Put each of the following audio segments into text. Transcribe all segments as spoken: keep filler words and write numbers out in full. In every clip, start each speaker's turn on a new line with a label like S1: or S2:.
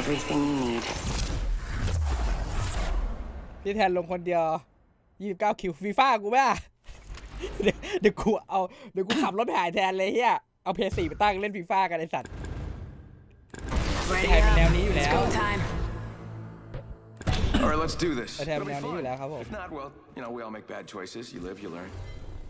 S1: everything you need.
S2: พี่แทนลงคนเดียวยี่สิบเก้าคิวฟีฟ่ากูไม่อะเดี๋ยวเดี๋ยวกูเอาเดี๋ยวกูขับรถไปหายแทนเลยเฮียเอาเพย์สี่ไปตั้งเล่นฟีฟ่ากันไอสัตว์
S1: Ready
S2: ไทยเป็นแนว
S1: up.
S2: นี้อยู่
S1: It's
S2: แล้ว
S1: go time.
S3: All right, let's do this.
S2: ไอแทน
S3: It'll
S2: เป็น
S3: be
S2: แนวนี้อยู่
S3: fun.
S2: แล้วครับผม
S3: If not, well, you know, we all make bad choices. You live, you learn.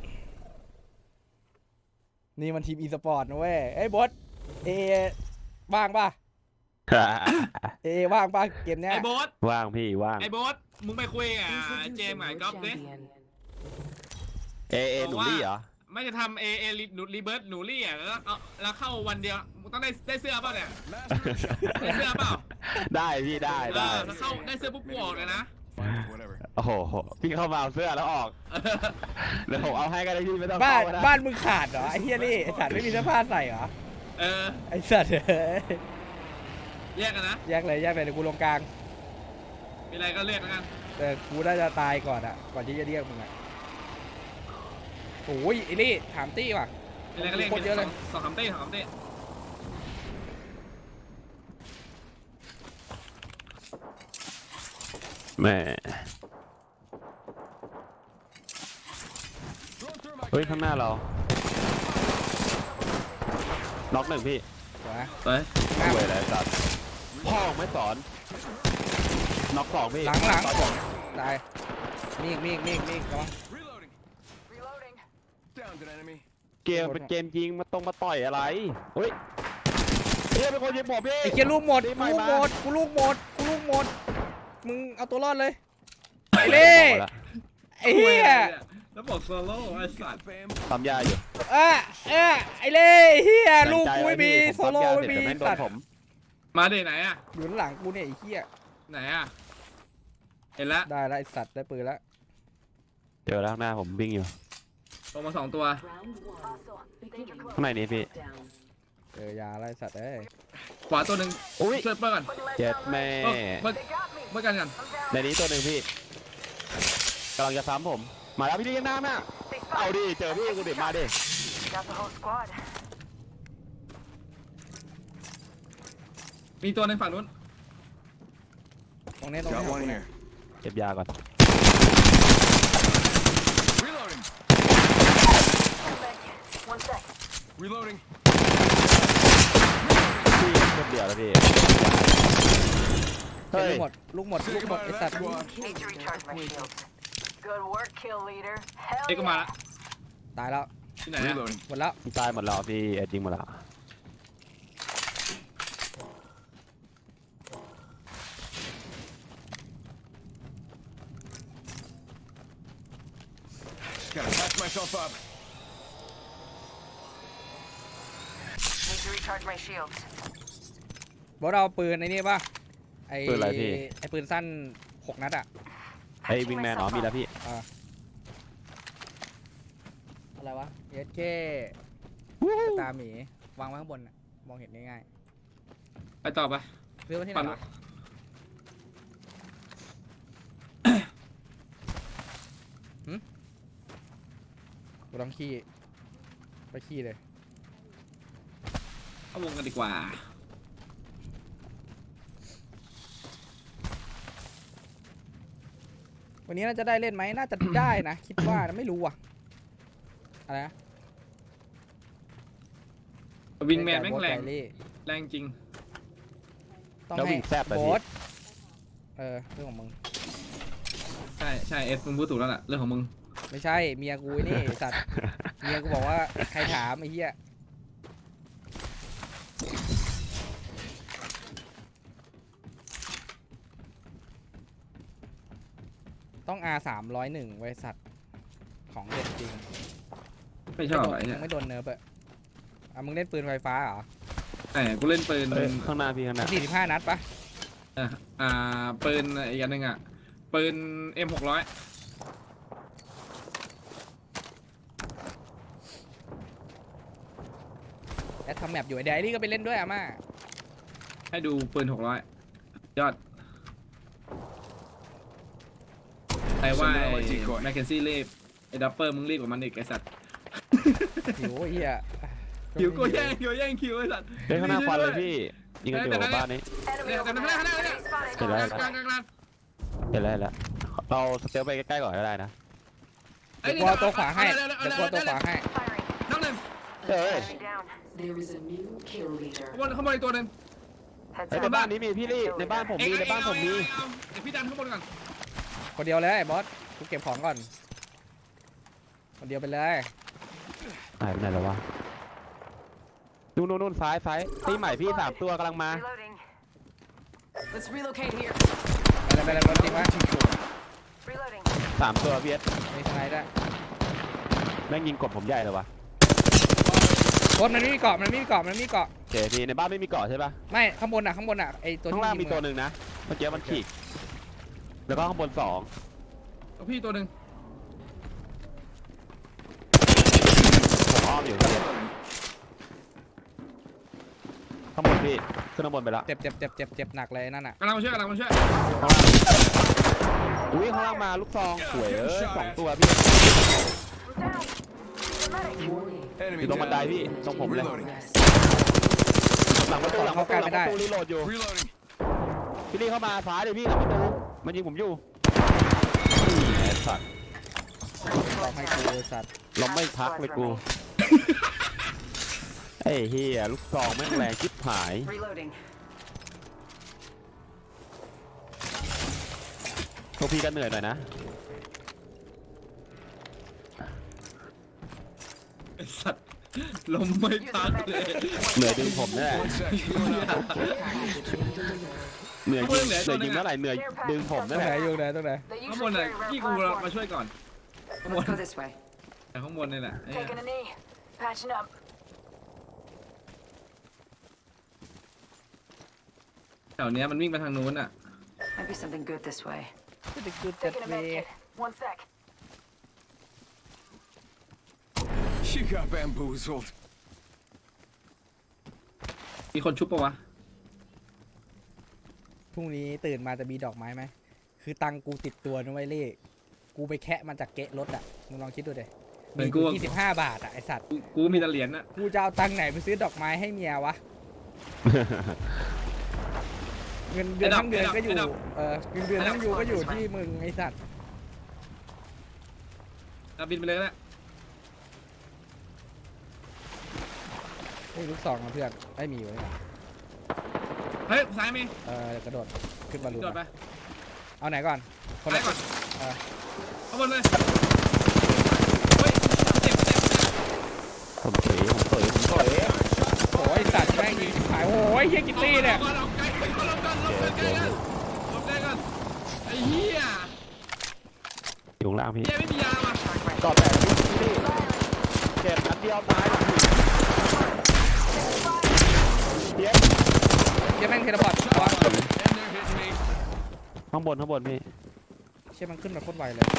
S2: นี่มันทีมอีสปอร์ตนะเว้ยเอ้ยบอสเอว่างป่ะเอว่างป่ะเกมเนี้ย
S4: ไอ้โบ๊ท
S5: ว่างพี่ว่าง
S4: ไอ้โบ๊ทมึงไปคุยกับเจมส์กับไอ้ก๊อฟดิ
S5: เอเอหนูรี่เหรอ
S4: ไม่จะทำเอเอหนูรีเบิร์ตหนูรี่อ่ะแล้วเอาแล้วเข้าวันเดียวมึงต้องได้ได้เสื้อเปล่าเนี่ยได้เสื้อเปล่า
S5: ได้พี่ได้
S4: เอ
S5: ได้
S4: อแล้วเข้าได้เสื้อปุ๊บกูออกเลยนะ
S3: Whatever.
S5: โอ้โหพี่เข้ามาเอาเสื้อแล้วออกเดี๋ยวผมเอาให้ก็ได้พี่ไม่ต้อง
S2: บ้าน
S5: เข้าก็ได้
S2: บ้านมึงขาดเหรอไอ้เฮียนี่ไอสัตว์ไม่มีเสื้อผ้าใส่เหรอ
S4: เออ
S2: ไอสัตว์เอ้ย
S4: แยกกันนะ
S2: แยกเลยแยกเลยเดี๋ยวกูลงกลาง
S4: มีอะไรก็เรียกแล้วกัน
S2: แต่กูน่าจะตายก่อนอะก่อนที่จะเรียกมึงอะโอ้ยไอ้นี่ถามตี้ว่ะ
S4: มีอะไรก็เรียก
S2: โคตรเยอะเลย
S4: สองคำเต้สองคำเต้
S5: แม่เฮ้ยข้างหน้าเราน็อกหนึ่งพี่
S2: เดี๋ยวนะ
S4: ไป
S5: สวยเลยสัตว์พ่อไม่สอนน็อกสองพี่
S2: หลังหลัง
S5: ตอนบอก
S2: ตายมีอีกมีอีกมีอีกมีอีกระวัง
S3: Reloading. Reloading. Downed an enemy.
S5: เกมเป็นเกมจริงมาต้องมาต่อยอะไรเฮ้ยเฮ้ยเป็นคนยิงผมพี่
S2: ไอ้เคียลูกหมด
S5: ดี
S2: กู
S5: ไหม
S2: ลูก
S5: มา
S2: หมดกูลูกหมดกูลูกหมดมึงเอาตัวรอดเลย
S5: ไป
S2: เล่
S5: หมดละ
S2: ไอ้เหี้ย
S4: แล้วบอกโซโล่ไอ้สัตว์
S3: Fam.
S5: ทำยาอยู่
S2: เออเออไอ้เล่เฮียลูกกูไม่มี
S5: ตั้งใจ
S2: โซโล่
S5: ว้
S2: ไม่
S5: พี่
S2: มี
S5: ผมปั๊ยาเสร็จแต่แม่งโด
S2: สัต
S5: น
S2: ว์
S5: ผม
S4: มาดิไหนอ่ะ
S2: อยู่ข้างหลังกูเนี่ยไอ้เหี้ย
S4: ไหนอ่ะเห็นแล้ว
S2: ได้แล้วไอ้สัตว์ได้ปืนแล้ว
S5: เจอแล้วข้างหน้าผมวิ่งอยู่
S4: ลงมาสองตัว
S5: ข้างในนี้พี่
S2: เจอยาแล้วไอ้สัตว์เอ้ย
S4: ขวาตัวหนึ่ง
S5: อุ้ย
S4: ช่วยเปิ้ลก่อน
S5: เจ็ดแม่
S4: เปิ้ลเปิ้ลเปิ้ลกันกัน
S5: ในนี้ตัวหนึ่งพี่กำลังจะซ้ำผมมาแล้วพี่ดีกันหน้าน่ะเอาดิเจอพี่กูดิมาดิ
S1: Got the whole squad.
S4: มีตัวในฝั่งนู้น
S2: ตรงนี้ตรง
S3: Got
S2: นี้
S3: one here.
S5: เก็บยาก่อน
S3: Reloading.
S1: One sec.
S3: Reloading.
S5: พี่เก็บเดียวแล้วพี่
S2: เฮ้
S5: เฮ้
S2: ย
S5: ย
S2: ลูกหมดลูกหมด
S3: Say
S2: ลูกหมด
S3: goodbye
S2: ไอ้
S3: to
S2: สัต
S3: that
S2: ว์
S3: squad.
S1: Need to recharge my shields. Good work, kill leader. Hell
S4: เอ็กก็มา
S1: yeah.
S4: ละ
S2: ตายแล้ว
S4: ที่ไหนอะ
S3: Reloading.
S2: หมดแล้ว
S5: ตายหมดแล้วพี่เอ็ดยิงหมดแล้ว
S3: Just gotta patch myself up.
S1: Need to recharge my shields.
S2: บอสเอาปืนไอ้นี่ป่ะไอ้
S5: ปืนอะไรพี่
S2: ไอ้ปืนสั้นหกนัดอะ
S5: ไอ้วิงแมนอ๋อมีแล้วพี่
S2: อะไรวะเอสเคตาหมีวางไว้ข้างบนน่ะมองเห็นง่าย
S4: ไปต่อไป
S2: ๆซื้อมาที่ไหนวะหึกูต้องขี้ไปขี้เลย
S4: เข้าวงกันดีกว่า
S2: วันนี้น่าจะได้เล่นไหมน่าจะได้นะ คิดว่านะไม่รู้อ่ะอะไรนะ
S4: วิงแมนแม่งแรง
S2: ไก่
S4: แรงจริง
S2: ต้อง
S5: แล้ว
S2: ให้
S5: วิ่งแซ่บอะ
S2: โบ
S5: พี่
S2: สเออเรื่องของมึง
S4: ใช่ใช่เอสมึงพูดถูกแล้วล่ะเรื่องของมึง
S2: ไม่ใช่เมียกูนี่ไอ้สัตว์เมียกูบอกว่าใครถามไอ้เหี้ยต้อง อาร์ สามร้อยเอ็ด ไว้สัตว์ของเด็ดจริง
S4: ไม่ชอบ
S2: ไม่
S4: ไอ้
S2: โดน
S4: เนี่ย
S2: ไม่โดนเนิร์ฟอะอ่ะมึงเล่นปืนไฟฟ้าเหรอ
S4: ไอ้กูเล่นปืน
S5: เอ้ยข้างหน้าพี่ข้างหน้า
S2: สี่สิบห้านัดปะ
S4: อ่ะอ่าปืนอีกอันหนึ่งอ่ะปืน เอ็ม หกร้อย
S2: แอดทำแมปอยู่ไอ้เดลี่ก็ไปเล่นด้วยอะม่า
S4: ให้ดูปืนหกร้อยยอดใครว่าไอ้แมคเคนซี่รีบไอ้ดับเปอร์มึงรีบกว่ามันอีกไอ้สัตว์
S2: หิวไอ้เหี้ย
S4: คิวกูแย่งคิวแย่งคิวไอ้สัตว์
S5: เฮ้ยข้างหน้าควันเลยพี่ยิงกันอยู่บ้านนี้
S1: Enemy
S4: เดี๋ยว
S1: over
S4: แต่ข้างหน้าข้างหน้า
S1: there.
S4: ข้างหน้า
S1: Enemy spotted.
S5: เห็นแล้ว
S4: กลางกลางกลาง
S5: เห็นแล้วเห็นแล้วเราสเตลไปใกล้ๆก่อนก็ได้นะ
S2: เดี๋ยวกูเอาตัวขวาให้เดี๋ยวกูเอาตัวขวาให้
S1: Firing.
S4: น้องหนึ่ง
S5: เฮ้ย
S1: Enemy down.
S6: There is a new kill leader.
S4: ขบวนขบวนอีกตัวหนึ่ง
S1: Heads
S5: เฮ้ย
S1: up.
S5: ในบ้านนี้มีพี่ลี่ในบ้านผม
S4: เอ็ง
S5: มีใน
S4: เอ็ง
S5: บ้าน
S4: เอา
S5: ผม
S4: เอ็ง
S5: มี
S4: เอาเดี๋ยวพี่ดันข้างบนก่อน
S2: คนเดียวเลยไอ้บอสกูเก็บของก่อนคนเดียวไปเลย
S5: หายไปไหนแล้ววะนู่นนู่นนู่นซ้ายซ้ายตีใหม่พี่สามตัวกำลังมา
S1: Reloading.
S6: Let's relocate here.
S2: ไปเลยไปเลยบอสจริงไหม
S1: Reloading.
S5: สามตัวพี่เอส
S2: มีสไนด์ด้วย
S5: แม่งยิงกดผมใหญ่เลยวะ
S2: บอสมันไม่มีเกาะมันไม่มีเกาะมันไม่มีเกาะ
S5: โอเคพี่ในบ้านไม่มีเกาะใช่ปะ
S2: ไม่ข้างบนอ่ะข้างบนอ่ะไอตัว
S5: ข้าง
S2: ที่
S5: ล่าง
S2: ยิ
S5: มี
S2: ง
S5: ตัว
S2: อะ
S5: หนึ่งนะเมื่อกี้มันฉีกแล้วก็ข้างบนสอง
S4: เอาพี่ตัวหนึ่ง
S5: ผมอ้อมอยู่พี่ข้างบนพี่ขึ้นข้างบนไปละ
S2: เจ็บเจ็บเจ็บเจ็บเจ็บหนักเลยนั่นอ่ะ
S4: กำลังมาช่วยกำลังมาช่วย
S5: อุ้ยข้างล่างมาลูกซองสวยเอ้ยสองตัวพี่
S1: Down. Medic.
S6: Warning.
S5: อ
S3: Enemy
S5: ยู่ตรงบันได
S3: down.
S5: พี่ตรงผมเลย
S3: Reloading.
S6: Rest.
S5: หลังประตูหลังประตูหลังประตูรีโหลดอยู่
S3: Reloading.
S5: พี่ลี่เข้ามาซ้ายเลยพี่หลังประตูมันยิงผมอยู่นี่ไอ้สัตว์
S2: บอกให้กูไอ้สัตว์
S5: เราไม่พักเลยกูไอ้เฮียลูกซองแม่งแรงจิ๊บหาย
S1: Reloading.
S5: พวกพี่ก็เหนื่อยหน่อยนะ
S4: ไอ้สัตว์ลมไม่พักเลย
S5: เหนื่อยดึงผมนี่แหละ
S3: One sec. Healing up.
S6: Package being delivered.
S5: เหนื่อยยิงเหนื่อยยิงเท่าไหร่เหนื่อยดึงผม
S2: ตร
S5: นั่
S2: ง
S5: น
S2: ไห
S5: แห
S2: น
S5: ละ
S2: อยู่ไหนตรงไหน
S1: They
S4: ข้างบน
S1: usually
S4: น่ะ
S1: carry
S4: พี่
S1: red
S4: กูมา
S1: platform.
S4: ช่วยก่อน
S6: Let's go this way.
S4: แต่ข้างบนนี่แหละไอ้
S1: Taking a knee. Patching up.
S4: แถวเนี้ยมันวิ่งไปทางนู้นอ่ะ
S1: Might be something good this way.
S2: ก็จะกูจัด
S1: Taking a
S2: เว
S1: med kit. One sec.
S3: She got bamboozled.
S4: มีคนชุบปะวะ
S2: พรุ่งนี้ตื่นมาจะมีดอกไม้ไหมคือตังกูติดตัวนะไว้ยเล่กูไปแคะมาจากเกะรถอ่ะมึงลองคิดดูดิ
S4: เหมื
S2: มี
S4: อน
S2: กู
S4: กู
S2: ยี่สิบห้าบาทอ่ะไอสัตว์
S4: กูกูมีแต่เหรียญน่ะ
S2: กูจะเอาตังค์ไหนไปซื้อดอกไม้ให้เมียวะเงินเดือนทั้งเดือนก็อยู่เออเงินเดือนทั้งอยู่ก็อยู่ที่มึงไอสัตว์
S4: เอาบินไปเลยก็ได้
S2: เฮ้ยลูกสองนะเพื่อนไม่มีอยู่เลย
S4: เฮ้ยซ้ายมี
S2: เออกระโดดขึ้นบอลลูน
S4: โดดไป
S2: เอาไหนก่อนคน
S4: ซ้า
S2: ละ
S4: ยก่อน
S2: เออ
S4: ข้างบนเลยเฮ้ยเจ็บเจ็บเจ็บ
S5: ผมเสยผมเสยผมเสย
S2: โอ้ยสัตว์แม่งยิงชิบหายโอ้ยเฮียกิตตี้เนี่ย
S4: อาก่อนเอาไกลเอาลงก่อนลงก่อนไกลกันลงไกลกันไอ้เหี้ย
S5: อยู่ข้างล่างพี่
S4: เหี้ยไม่มียาว่ะ
S5: ต่อแต่พี่ลี่เจ็บนัดเดียวตายหลังหินเดี๋ยว
S2: เฮียแม่งเทเลพอร์ตวะ
S3: And they're hitting me.
S5: ข้างบนข้างบนพี่
S2: เชี่ยมันขึ้นมาโคตรไวเลย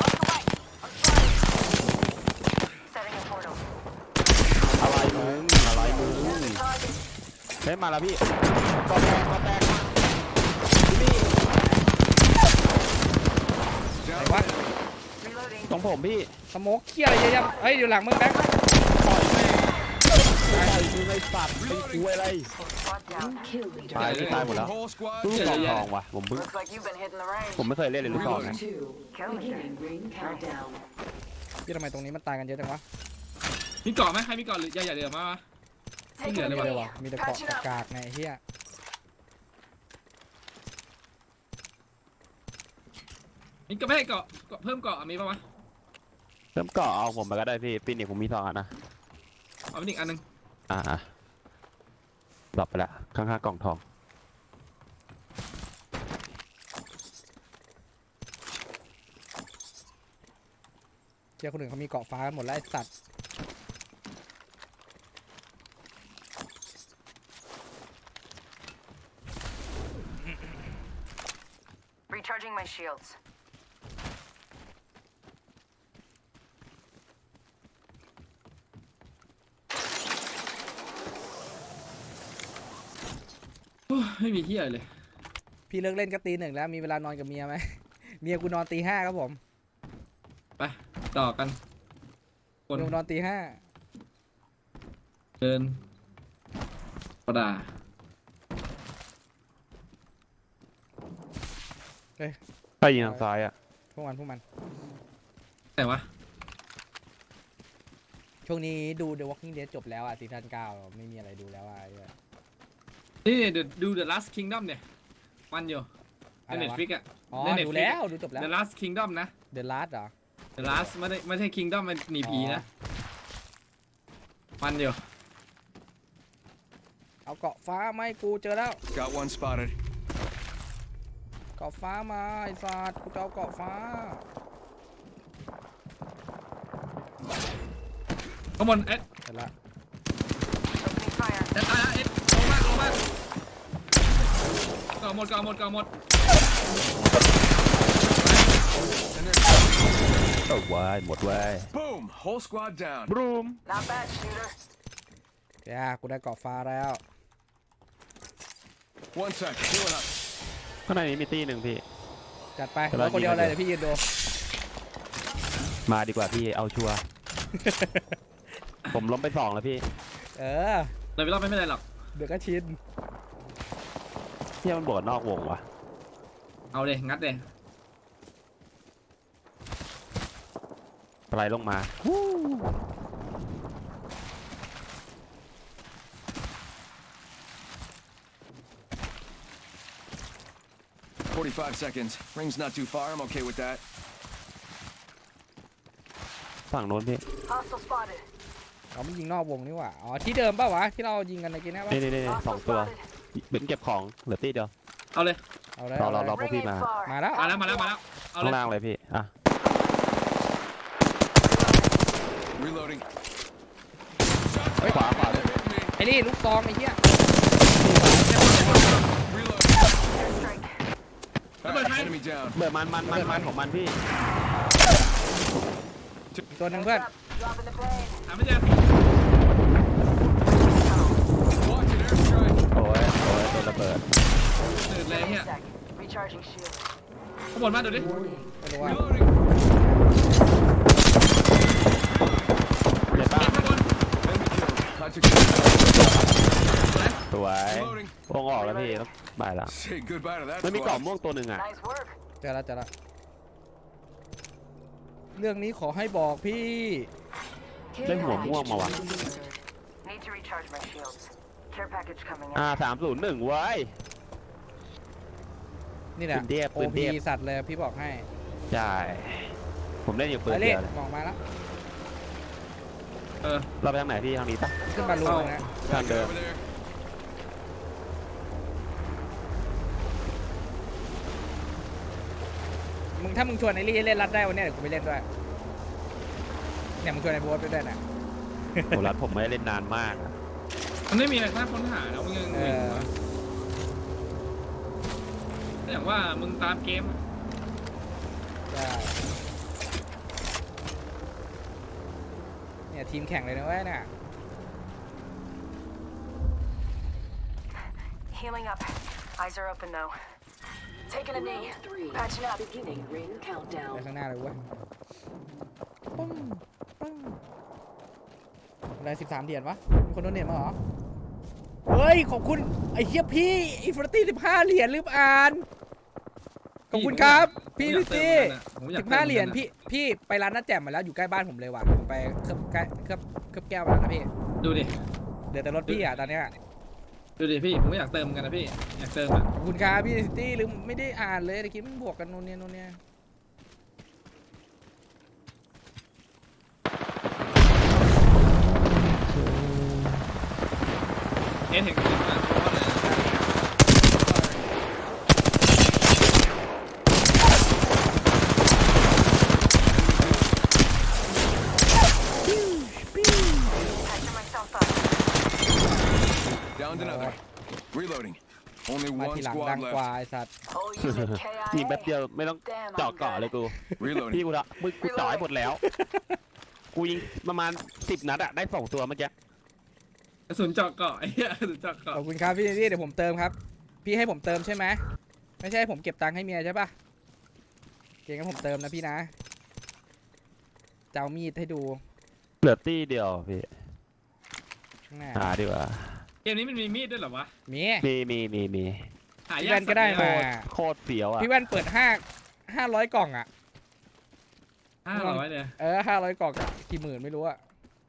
S1: Setting a portal.
S5: อะไรมึงอะไรมึง
S1: Target.
S5: เฮ้ยมาแล้วพี่ก็แตกก็แตกพี่ลี่
S3: Down.
S2: วะ
S1: Reloading.
S5: ตรงผมพี่
S2: สโมกเคี้ยอะไรเยอะแยะเฮ้ยอยู่หลังมึงแบงค์
S5: ปล่อยแม่ปล่อยมึงไอ้สัตว์เป็นกูอะไร
S1: Squad down.
S6: New kill leader.
S5: ตายพี่ตายหมดแล้ว
S3: Whole squad.
S5: ลูกซองทองว่ะผมเพิ่ง
S1: Looks like you've been hitting the range.
S5: ผมไม่เคยเล่นเลยลูกซองนะ
S6: Two. Beginning ring countdown.
S2: พี่ทำไมตรงนี้มันตายกันเยอะจังวะ
S4: มีเกาะไหมใครมีเกาะหรืออย่าอย่าเดือดมาวะ
S2: ไม่เหลือเลยว่ะมีแต่เกาะ
S1: Patching up.
S2: กากๆไงไอ้เฮีย
S4: มีก็ไม่ให้เกาะเกาะเพิ่มเกาะมีปะวะ
S5: เริ่มเกาะเอาผมมาก็ได้พี่ปีนี้ผมมีสองอันนะ
S4: เอาไปอีกอันหนึง
S5: อ่าดรอปไปละข้างๆกล่องทอง
S2: เชี่ยคนอื่นเขามีเกาะฟ้ากันหมดแล้วไอ้สัตว์
S1: Recharging my shields.
S4: Ủa, ไม่มีเหี้ยเลย
S2: พี่เลิกเล่นก็ตีหนึ่งแล้วมีเวลานอนกับเมียไหม เมียกูนอนตีห้าครับผม
S4: ไปต่อกันคน
S2: เมียกูนอนตีห้า
S4: เดินกระดา
S5: ไปยิงทางซ้ายอ่ะ
S2: พวกมันพวกมัน
S4: แต่วะ
S2: ช่วงนี้ดู The Walking Dead จบแล้วอ่ะซีซั่นเก้าไม่มีอะไรดูแล้วอ่ะไอ้เหี้ย
S4: นี่เดี๋ยวดู The Last Kingdom เนี่ยมันอยู่ใน
S2: อะไรวะ
S4: Netflix อ่ะ
S2: อ๋อ
S4: ใน Netflix
S2: ดูแล้วดูจบแล้ว
S4: The Last Kingdom นะ
S2: The Last เหรอ
S4: The Last ไม่ได้ไม่ใช่ Kingdom มันหนีผีนะมันอยู่
S2: เอาเกาะฟ้าไหมาให้กูเจอแล้ว
S3: Got one spotted.
S2: เกาะฟ้ามาไอ้สัตว์กูจะเอาเกาะฟ้า
S4: ข้างบนเอ็ด
S2: เสร็จละ
S1: Opening fire.
S4: เอ็ดตายแล้วเอ็ดลงมากลงมากก่อหมดก่อหมดก่อหมด
S3: And they're
S5: โอ้วายหมดเว้ย
S3: boom. Whole squad down.
S5: บรูม
S1: Not bad, shooter.
S2: ย่ากูได้เกาะฟ้าแล้ว
S3: One sec. Healing up.
S5: ข้างในนี้มีตีหนึ่งพี่
S2: จัดไป
S5: กำลัง
S2: เราคนเดียว
S5: ยิง
S2: เลย
S5: เลย
S2: เดี๋ยวพี่ยืนดู
S5: มาดีกว่าพี่เอาชัวร์ ผมล้มไปสองแล้วพี่
S2: เออ
S4: เลยไปรอบไม่เป็นไรหรอก
S2: เดี๋ยวก็ชิน
S5: เที่ยมันบวกนอกวงว่ะ
S4: เอาเลยงัดเลย
S5: อะไรลงมา
S3: forty-five seconds. Ring's not too far. I'm okay with that.
S5: ฝั่งโน้นพี่
S1: Hostile spotted.
S2: เราไม่ยิงนอกวงนี่หว่า อ๋อที่เดิมป่าวะที่เรายิงกันในกินนะปะ
S5: นี่นี่นี่สอง
S1: Hostile
S5: ตัว
S1: spotted.
S5: เป็นเก็บของเหลือตีเดียว
S4: เอาเลย
S2: เอาเลย
S5: รอ
S2: เอา
S5: รอ
S2: เลย
S5: รอ พวกพี่
S1: Ring
S5: มา
S1: ain't far.
S2: มาแล้ว
S4: มาแล้วมาแล้วมาแล้วเอาเล
S5: ข้าง
S4: ย
S5: ล่างเลยพี่อ่ะ
S3: Reloading.
S5: เฮ้ยขวาขวาเลย
S3: Hitting me.
S2: ไอ้นี่ลูกซองไอ้เหี้ย
S3: Reloading.
S1: Airstrike.
S3: All right, enemy down.
S5: เบื่อมันมันมันมันของมันพี่
S2: อีกตัวหนึ่งเพื่อน
S1: Up. Dropping the plane.
S4: หาไม่เจอ
S3: Watch it. Airstrike.
S5: โอ้ยโอ้ยโดนระเบิด
S4: หนืดเลยเนี่ย
S1: Sec. Recharging shield.
S4: ข้างบนมาดูดิ
S6: Warning.
S2: ไม่รู้ว่า
S3: Reloading.
S5: เจ็บป่ะ
S4: เอ็ดข้างบน
S3: Enemy killed. I took it.
S5: สวย
S3: Reloading.
S5: วงออกแล้วพี่ต้องบายละ
S3: Say goodbye to that
S5: มันมีกล่อง
S3: squad.
S5: ม่วงตัวหนึ่งอ่ะ
S1: Nice work.
S2: เจอแล้วเจอแล้วเรื่องนี้ขอให้บอกพี่
S6: Care
S5: ได้หัว
S6: package
S5: ม่วงมาวะ
S6: delivered.
S1: Need to recharge my shields. Care package coming
S5: อ่า
S1: in.
S5: สามศูนย์หนึ่งเว้ย
S2: นี่แหละ
S5: ปืนเทพ
S2: โอ
S5: ปืนเท
S2: พี
S5: พ
S2: สัตว์เลยพี่บอกให้
S5: ใช่ ผมเล่นอยู่ปืน
S2: ไปเล่
S5: เดี
S2: น
S5: ยวเลย
S2: มองมาแล้ว
S4: เออ
S5: เราไปทางไหนพี่ทางนี้ปะ
S2: ขึ้นมาลุงนะ
S5: ทาง
S3: Back
S5: เดิม
S3: over there.
S2: มึงถ้ามึงชวนไอ้ลี่เล่นรัดได้วันเนี้ยเดี๋ยวกูไปเล่นด้วยเนี่ยมึงชวนไอ้โบ๊ทไปด้วยนะ
S5: โหรัดผมไม่ได้เล่นนานมากอะ
S4: มันไม่มีอะไรน่าค้นหาแล้วมึงยัง
S2: เอ
S4: วิ่ง
S2: อ
S4: วะอย่างว่ามึงตามเกมอะ
S2: ได้เนี่ยทีมแข่งเลยนะเว้ยเนี่ย
S1: Healing up. Eyes are open though. Taking a knee.
S6: Round three.
S1: Patching up.
S6: Beginning ring
S2: ไป
S6: countdown.
S2: ข้างหน้าเลยเว้ยปึ้งปึ้งอะไรสิบสามเหรียญวะมีคนโดนเหรียญมาเหรอ เฮ้ย ขอบคุณ ไอ้เหี้ยพี่อินฟินิตี้สิบห้าเหรียญลืมอ่าน ขอบคุณครับ พี่ลิตี้
S4: ผมอยาก
S2: สิบ
S4: เติม
S2: ห้าเหรียญ
S4: มือนกัน
S2: พี่พี่ไปร้านน้าแจ่มมาแล้วอยู่ใกล้บ้านผมเลยว่ะผมไปเคลือบแก้เคลือบเคลือบแก้วมาแล้วนะพี่
S4: ดูดิ
S2: เดี๋ยวแต่รถพี่อ่ะตอนเนี้ย
S4: ดูดิพี่ ผมก็อยากเติมเหมือนกันนะพี่ อยากเติมอ่ะ
S2: ขอบคุณครับพี่ลิตี้ลืมไม่ได้อ่านเลยตะกี้มันบวกกันโน่นเนี่ยโน่นเนี่ย
S4: เอ็นเห็นกันนะเพราะว่าอะไรนะ
S1: Patching myself up.
S3: Downed another. Reloading. Only
S2: มา
S3: one
S2: ทีหลังดั
S3: squad
S2: งกว่า
S3: left.
S2: ไอ้สัตว์
S1: Whole unit K I A.
S5: ยิงแป๊บเดียวไม่ต้องเจาะเกาะเลยกู พี่
S3: Reloading.
S5: กูละมึงกูจ่อยหมดแล้ว กูยิงประมาณสิบนัดอะได้สองตัวเมื่อกี้
S4: กระสุนเจาะเกาะไอ้เหี้ยกระสุนเจาะเกาะ
S2: ขอบคุณครับพี่ลิตี้เดี๋ยวผมเติมครับ พี่ให้ผมเติมใช่ไหมไม่ใช่ให้ผมเก็บตังค์ให้เมียใช่ปะเก่งงั้นผมเติมนะพี่นะจะเอามีดให้ดู
S5: เหลือตี้เดียวพี่
S2: ข้างหน้า
S5: หาดีกว่า
S4: เกมนี้มันมีมีดด้วยเหรอวะ
S2: มี
S5: มีมีมีมี
S4: หายา
S2: พี่แว่นก็ได้มา
S5: โคตรเสียวอ่ะ
S2: พี่แว่นเปิดห้าห้าร้อยกล่องอ่ะ
S4: ห้าร้อยเนี่ย
S2: เออห้าร้อยกล่องอะกี่หมื่นไม่รู้อะ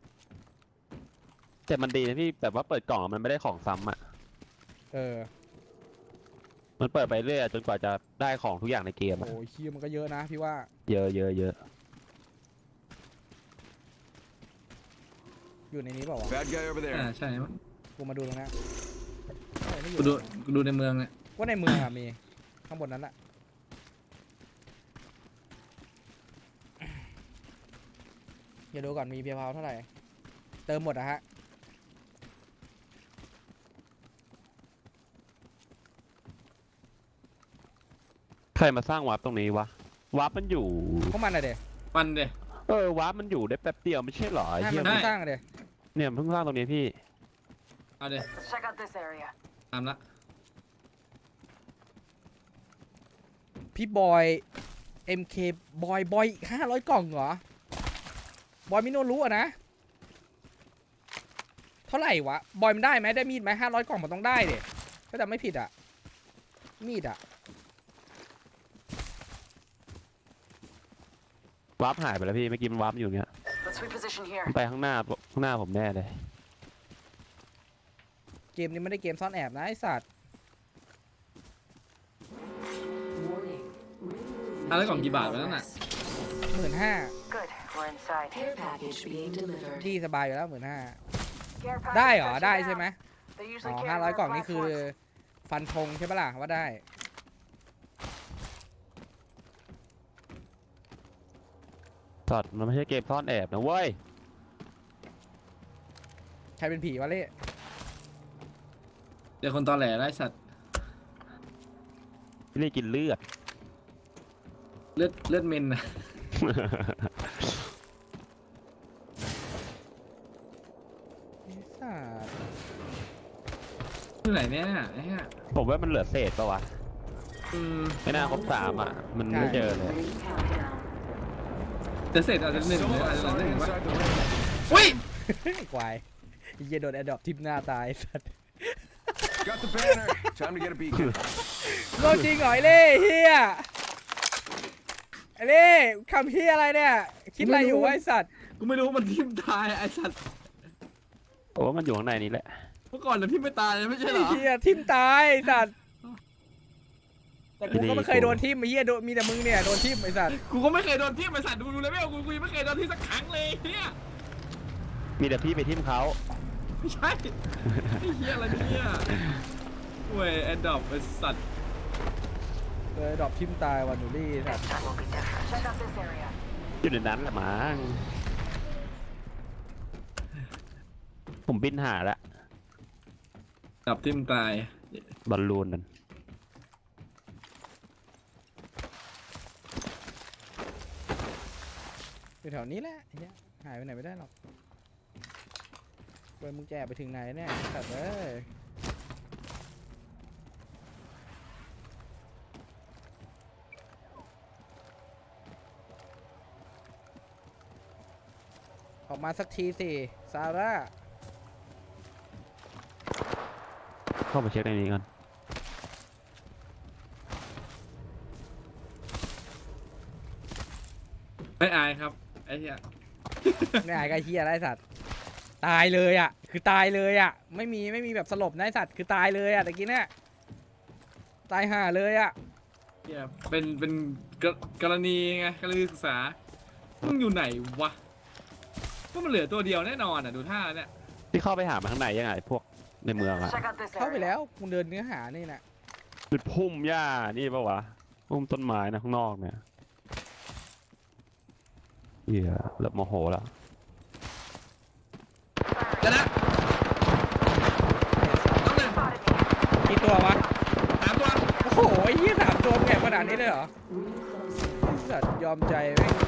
S5: แต่มันดีนะพี่แบบว่าเปิดกล่องอะมันไม่ได้ของซ้ำอ่ะ
S2: เออ
S5: มันเปิดไปเรื่อยจนกว่าจะได้ของทุกอย่างในเกมอะ
S2: โอ้ยคิวมันก็เยอะนะพี่ว่า
S5: เยอะเยอะเยอะ
S2: อยู่ในนี้เปล่าวะ
S3: Bad guy over
S4: อ่า
S3: there.
S4: ใช่มั้ง
S2: กูมาดูตรงนั้นเอ้ยไม่อยู่
S4: กูดูกูดูในเมืองเนี่ย
S2: ว่าในเมืองอะมีข้างบนนั้นแหละอย่าดูก่อนมีเพียร์พาวเท่าไหร่เติมหมดอะฮะ
S5: ใครมาสร้างวาร์ปตรงนี้วะวาร์ปมันอยู่
S2: พวกมันอะเด็
S4: ปันเด
S5: เออวาร์ปมันอยู่ได้แป๊บเดียวไม่ใช่เหรอไอ้
S2: ให้
S5: เหี้
S2: มั
S5: ย
S2: นเพิ่งสร้างอะเด็
S5: เนี่ยเพิ่งสร้างตรงนี้พี่
S4: เอาเด
S1: Let's check out this area.
S4: ตามละ
S2: พี่บอย เอ็ม เค บอยบอยห้าร้อยกล่องเหรอบอยมิโนรู้อะนะเท่าไหร่วะบอยมันได้ไหมได้มีดไหมห้าร้อยกล่องมันต้องได้เด็ถ้าจำไม่ผิดอะมีดอะ
S5: วาร์ปหายไปแล้วพี่เมื่อกี้มันวาร์ปอยู่อย่างเงี้ย
S1: Let's reposition here.
S5: มันไปข้างหน้าข้างหน้าผมแน่เลย
S2: เกมนี้ไม่ได้เกมซ่อนแอบนะไอสัตว์
S6: Warning. Ring
S4: อ่ะแล้วกล่อง
S6: movement
S4: กี่บาท
S6: in
S4: วะนั่นน่ะ
S6: progress.
S2: หมื่นห้า
S1: Good. We're inside.
S6: Care package being delivered.
S2: ที่สบายอยู่แล้วหมื่นห้า
S1: Care package
S2: ได้เหรอ
S1: touching
S2: ได้
S1: down.
S2: ใช่ไหม
S1: They
S2: อ๋
S1: usually
S2: อ
S1: carry
S2: ห้าร้อย
S1: their
S2: กล่องนี่คือ
S1: platforms.
S2: ฟันธงใช่ปะล่ะว่าได้
S5: สัตว์มันไม่ใช่เกมซ่อนแอบนะเว้ย
S2: ใครเป็นผีวะเล่
S4: เดี๋ยวคนตอแหลไล่สัตว์
S5: พี่นี่กินเลือด
S4: เลือดเลือดเมนนะ
S2: ไอ้สัตว์
S4: ที่ไหนเนี่ยไอ้เหี้ย
S5: ผมว่ามันเหลือเศษปะวะ
S4: อืม
S5: ไม่น่าครบสามอ่ะมันไม่เจอเลย
S6: Ring countdown.
S4: จะเสร็จอาจจะหนึ่ง
S3: So
S4: หรือ
S3: much
S4: อาจจะ
S3: fun
S4: หนึ่งวะ
S3: inside the ring.
S4: อุ้ย
S2: ควายไอ้เหี้ยโดนแอดดอปทิปหน้าตายไอ้สัตว์
S3: Got the banner. Time to get a beacon.
S2: โลจริงเหรอไอ้เล่เฮียไอ้เล่คำเฮียอะไรเนี่ย คิดอะไรอยู่วะไอ้สัตว์
S4: กูไม่รู้ว่ามันทิ่มตายไอ้สัตว์
S5: โอ้มันอยู่ข้างในนี้แหละ
S4: เมื่อก่อนเราทิ่มไม่ตายไม่ใช่เหรอ
S2: ไอ้เฮียทิมตายไอ้สัตว์แต่กูก็ไม่เคยโดนทิมไอ้เฮียโดนมีแต่มึงเนี่ยโดนทิมไอ้สัตว์
S4: กูก็ไม่เคยโดนทิ่มไอ้สัตว์ดูดูเลยไม่เอากูกูยังไม่เคยโดนทิ่มสักครั้งเลยเนี่ย
S5: มีแต่พี่ไปทิมเขา
S4: ไม่ใช่ไอ้เหี้ยอะไรเนี่ยเว้ยแอดดอปไอ้สัตว์
S2: เลยดรอปทิมตายวันหนูรี่สัตว์
S1: Next time will be different. Check out this area.
S5: อยู่ในนั้นแหละมั้งผมบินหาละ
S4: ดับทิ่มตาย
S5: บอลลูนนั่น
S2: อยู่แถวนี้แหละไอ้เฮียหายไปไหนไม่ได้หรอกเว้ยมึงแจไปถึงไหนเนี่ยสัตว์เอ้ยออกมาสักทีสิซาร่า
S5: เข้ามาเช็คในนี้ก่อน
S4: ไม่อายครับไอ้เหี้ย
S2: ไม่อายไอ้เฮียอะไรสัตว์ตายเลยอ่ะคือตายเลยอ่ะไม่มีไม่มีแบบสลบนะไอ้สัตว์คือตายเลยอ่ะตะกี้เนี่ยตายห่าเลยอ่ะ
S4: เหี้ยเป็นเป็นกรกรณีไงกรณีศึกษามึงอยู่ไหนวะก็มันเหลือตัวเดียวแน่นอนอ่ะดูท่าแล้วเนี่ย
S5: ที่เข้าไปหามาข้างในยังไงพวกในเมืองอะ
S1: Check out this
S2: เข้าไป
S1: area.
S2: แล้วกูเดินเนื้อหานี่แหละ
S5: เป็นพุ่มหญ้านี่ปะวะพุ่มต้นไม้นะข้างนอกเนี่ยเหี้ยเริ่มโมโหแล้ว
S4: จะนะต้องหนึ่ง
S2: กี่ตัววะ
S4: สามตัว
S2: โอ้โหไอ้เหี้ยสามตัวแก่ขนาดนี้เลยเหรอ
S6: Ring closing.
S2: ไอ้สัตว์ยอมใจแม่ง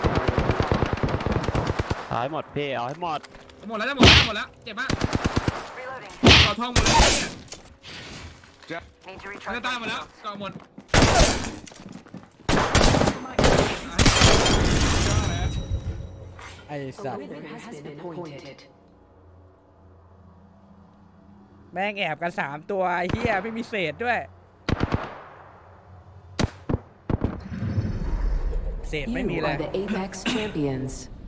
S5: เอาให้หมดพี่เอาให้หมด
S4: หมดแล้วจะหมดแล้วหมดแล้วเจ็บมาก
S1: Reloading.
S4: เกาะทองหมดแล้วเนี่ย
S1: Need to
S4: มัน
S1: recharge.
S4: จะตายหม
S1: my
S4: ดแล้ว
S1: shields.
S4: เกาะหมด
S2: ไอ้
S6: A
S2: สัตว์
S6: winner has been appointed.
S2: แม่งแอบกันสามตัวไอ้เหี้ยไม่มีเศษด้วยเศษไม่มี
S6: You
S2: เลย
S6: are the Apex champions.